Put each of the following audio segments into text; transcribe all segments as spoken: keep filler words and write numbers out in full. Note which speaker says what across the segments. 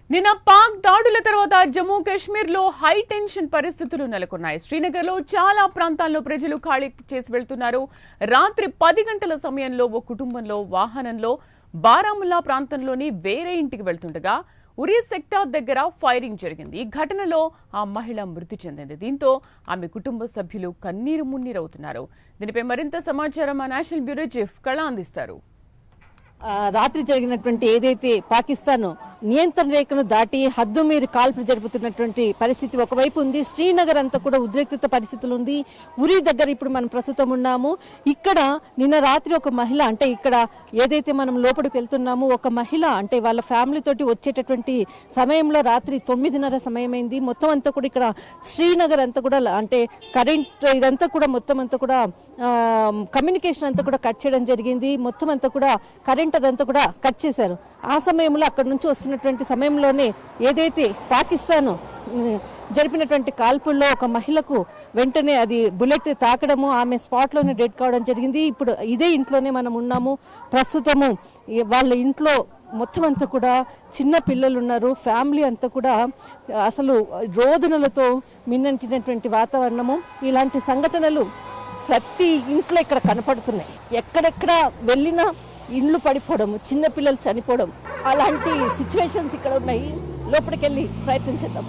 Speaker 1: నిన్న పాక్ దాడుల తర్వాత జమ్మూ కాశ్మీర్ లో హై టెన్షన్ పరిస్థితులు నెలకొన్నాయి. శ్రీనగర్ లో చాలా ప్రాంతాల్లో ప్రజలు ఖాళీ చేసి వెళ్తున్నారు. రాత్రి పది గంటల సమయంలో ఓ కుటుంబంలో వాహనంలో బారాముల్లా ప్రాంతంలోని వేరే ఇంటికి వెళ్తుండగా ఉరీ సెక్టార్ దగ్గర ఫైరింగ్ జరిగింది. ఈ ఘటనలో ఆ మహిళ మృతి చెందింది. దీంతో ఆమె కుటుంబ సభ్యులు కన్నీరు మున్నీరవుతున్నారు. దీనిపై మరింత సమాచారం మా నేషనల్ బ్యూరో చీఫ్ కళ అందిస్తారు.
Speaker 2: రాత్రి జరిగినటువంటి ఏదైతే పాకిస్తాన్ నియంత్రణ రేఖను దాటి హద్దు మీరు కాల్పులు జరుపుతున్నటువంటి పరిస్థితి ఒకవైపు ఉంది. శ్రీనగర్ అంతా కూడా ఉద్రిక్తత పరిస్థితులు ఉంది. ఉరి దగ్గర ఇప్పుడు మనం ప్రస్తుతం ఉన్నాము. ఇక్కడ నిన్న రాత్రి ఒక మహిళ, అంటే ఇక్కడ ఏదైతే మనం లోపలికి వెళ్తున్నామో ఒక మహిళ అంటే వాళ్ళ ఫ్యామిలీ తోటి వచ్చేటటువంటి సమయంలో రాత్రి తొమ్మిదిన్నర సమయమైంది. మొత్తం అంతా కూడా ఇక్కడ శ్రీనగర్ అంతా కూడా అంటే కరెంట్ ఇదంతా కూడా మొత్తం అంతా కూడా కమ్యూనికేషన్ అంతా కూడా కట్ చేయడం జరిగింది. మొత్తం అంతా కూడా కరెంట్ అదంతా కూడా కట్ చేశారు. ఆ సమయంలో అక్కడ నుంచి వస్తున్నటువంటి సమయంలోనే ఏదైతే పాకిస్తాన్ జరిపినటువంటి కాల్పుల్లో ఒక మహిళకు వెంటనే అది బుల్లెట్ తాకడము, ఆమె స్పాట్లోనే డెడ్ కావడం జరిగింది. ఇప్పుడు ఇదే ఇంట్లోనే మనం ఉన్నాము ప్రస్తుతము. వాళ్ళ ఇంట్లో మొత్తం అంతా కూడా చిన్న పిల్లలు ఉన్నారు. ఫ్యామిలీ అంతా కూడా అసలు రోదనలతో మిన్నంటినటువంటి వాతావరణము. ఇలాంటి సంఘటనలు ప్రతి ఇంట్లో ఇక్కడ కనపడుతున్నాయి. ఎక్కడెక్కడ వెళ్ళినా ఇండ్లు పడిపోవడం, చిన్న పిల్లలు చనిపోవడం, అలాంటి సిచ్యువేషన్స్ ఇక్కడ ఉన్నాయి. లోపలికి వెళ్ళి ప్రయత్నం చేద్దాం.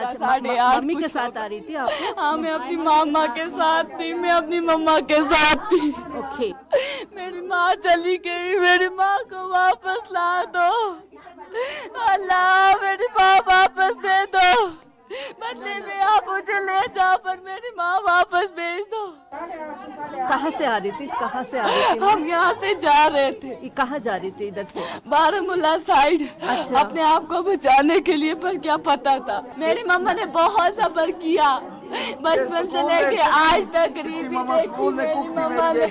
Speaker 3: मम्मी के साथ आ रही थी आप? हाँ, मैं अपनी मामा के साथ थी, मैं अपनी मम्मा के साथ थी।
Speaker 2: ओके,
Speaker 3: मेरी माँ चली गई, मेरी माँ को वापस ला दो अल्लाह, मेरी माँ वापस दे दो। बदले में आप मुझे ले जाओ, पर मेरी माँ वापस भेज दो।
Speaker 2: कहाँ से आ रही थी? कहाँ से आ रही थी?
Speaker 3: हम यहाँ से जा रहे थे।
Speaker 2: कहाँ जा रही थी? इधर से
Speaker 3: बारामूला साइड।
Speaker 2: अच्छा।
Speaker 3: अपने आप को बचाने के लिए, पर क्या पता था। मेरी मम्मा ने बहुत सब्र किया, बचपन से लेके आज तक गरीबी देखी। मेरी मम्मा ने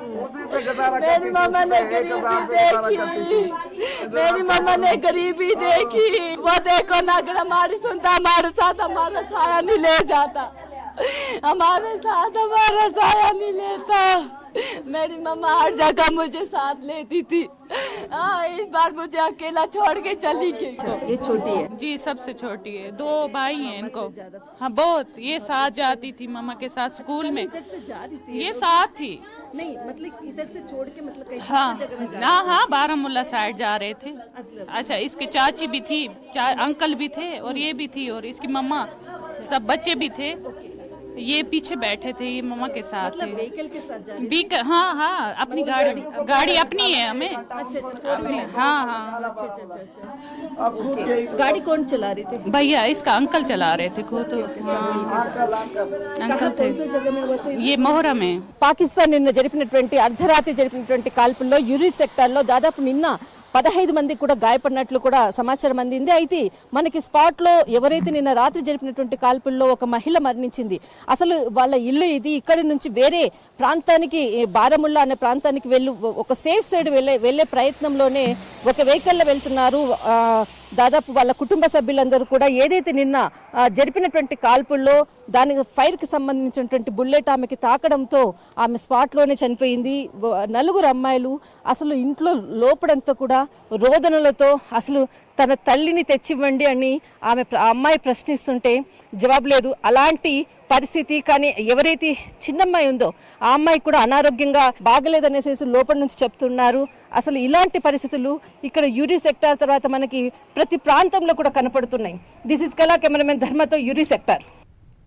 Speaker 3: मेरी मम्मा ने गरीबी देखी मेरी मम्मा ने गरीबी देखी। वो देखो ना, अगर हमारी सुनता हमारे साथ हमारा छाया नहीं ले जाता, हमारे साथ हमारा साया नहीं लेता। मेरी मम्मा हर जगह मुझे साथ लेती थी। हाँ, इस बार मुझे अकेला छोड़ के चली गई।
Speaker 2: ये छोटी है
Speaker 4: जी, सबसे छोटी है। दो भाई हैं इनको। हाँ, बहुत। ये साथ जाती थी मम्मा के साथ स्कूल में।
Speaker 2: इधर से जा रही थी?
Speaker 4: ये साथ थी।
Speaker 2: नहीं, मतलब इधर से छोड़ के मतलब कहीं
Speaker 4: हाँ
Speaker 2: जगह में जा
Speaker 4: ना, हाँ, बारामूला साइड जा रहे थे।
Speaker 2: अच्छा।
Speaker 4: अच्छा, इसके चाची भी थी, चा, अंकल भी थे, और ये भी थी, और इसकी मम्मा, सब बच्चे भी थे। ये पीछे बैठे थे, ये मम्मा के साथ
Speaker 2: मतलब
Speaker 4: थे।
Speaker 2: व्हीकल के साथ जा रही
Speaker 4: बीक हाँ हाँ अपनी गाड़ी गाड़ी अपनी है हमें। अपनी, हाँ हाँ
Speaker 2: थी? गाड़ी कौन चला रही थी?
Speaker 4: भैया, इसका अंकल चला रहे थे खुद। हाँ, अंकल थे।
Speaker 2: कौन सी जगह में हुआ था?
Speaker 4: ये मोहरा में।
Speaker 2: పాకిస్తాన్ నిన్న జరిపినటువంటి అర్ధరాత్రి జరిపినటువంటి కాల్పుల్లో యూరి సెక్టార్లో దాదాపు నిన్న పదహైదు మంది కూడా గాయపడినట్లు కూడా సమాచారం అందింది. అయితే మనకి స్పాట్ లో ఎవరైతే నిన్న రాత్రి జరిపినటువంటి కాల్పుల్లో ఒక మహిళ మరణించింది. అసలు వాళ్ళ ఇల్లు ఇది. ఇక్కడి నుంచి వేరే ప్రాంతానికి, బారాముల్లా అనే ప్రాంతానికి వెళ్ళు ఒక సేఫ్ సైడ్ వెళ్ళే వెళ్ళే ప్రయత్నంలోనే ఒక వెహికల్లో వెళ్తున్నారు. దాదాపు వాళ్ళ కుటుంబ సభ్యులందరూ కూడా ఏదైతే నిన్న జరిపినటువంటి కాల్పుల్లో దానికి ఫైర్కి సంబంధించినటువంటి బుల్లెట్ ఆమెకి తాకడంతో ఆమె స్పాట్లోనే చనిపోయింది. నలుగురు అమ్మాయిలు అసలు ఇంట్లో లోపడంతా కూడా రోదనలతో అసలు తన తల్లిని తెచ్చివ్వండి అని ఆమె అమ్మాయి ప్రశ్నిస్తుంటే జవాబు లేదు. అలాంటి పరిస్థితి. కానీ ఎవరైతే చిన్నమ్మాయి ఉందో ఆ అమ్మాయి కూడా అనారోగ్యంగా బాగలేదనేసి లోపల నుంచి చెప్తున్నారు. అసలు ఇలాంటి పరిస్థితులు ఇక్కడ యూరి సెక్టార్ తర్వాత మనకి ప్రతి ప్రాంతంలో కూడా కనపడుతున్నాయి. దిస్ ఇస్ కళా కెమెరామెన్ ధర్మతో యూరి సెక్టార్.